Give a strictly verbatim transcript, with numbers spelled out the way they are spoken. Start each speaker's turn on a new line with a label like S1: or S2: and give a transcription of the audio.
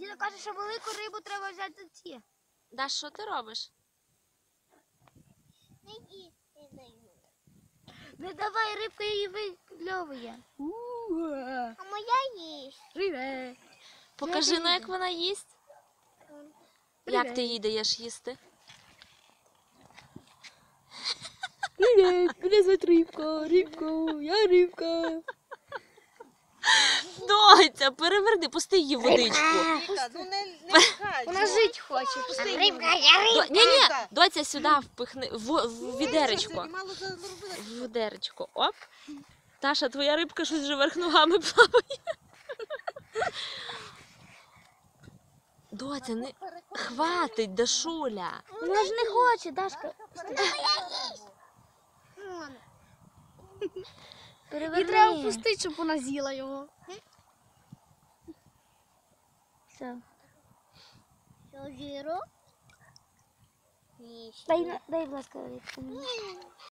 S1: Діда каже, що велику рибу треба взяти за ці.
S2: Даш, що ти робиш?
S3: Не їсти даю.
S1: Не давай, рибка її викльовує.
S3: А моя їсть.
S1: Привет.
S2: Покажи, ну, як вона їсть. Як ти їй даєш їсти?
S1: Привет, мене звати Рибка, Рибка, я Рибка.
S2: Доця, переверни, пусти її в водичку.
S4: Віка, ну не, не пхай.
S1: Вона жить хоче.
S3: Рибка, я рибка.
S2: До... Ні, ні, доця сюди впихни, в, в відеречко.
S4: Ти мало заробила.
S2: В відеречко. Оп. Таша, твоя рибка щось вже верх ногами плаває. Доця, не хватить, Дашуля.
S1: Вона ж не хоче, Дашка. Переверни.
S5: І треба пустити, щоб вона з'їла його.
S1: Все.
S3: Що, жиру? Їсть.
S1: Дай, на- дай, будь ласка, рибку.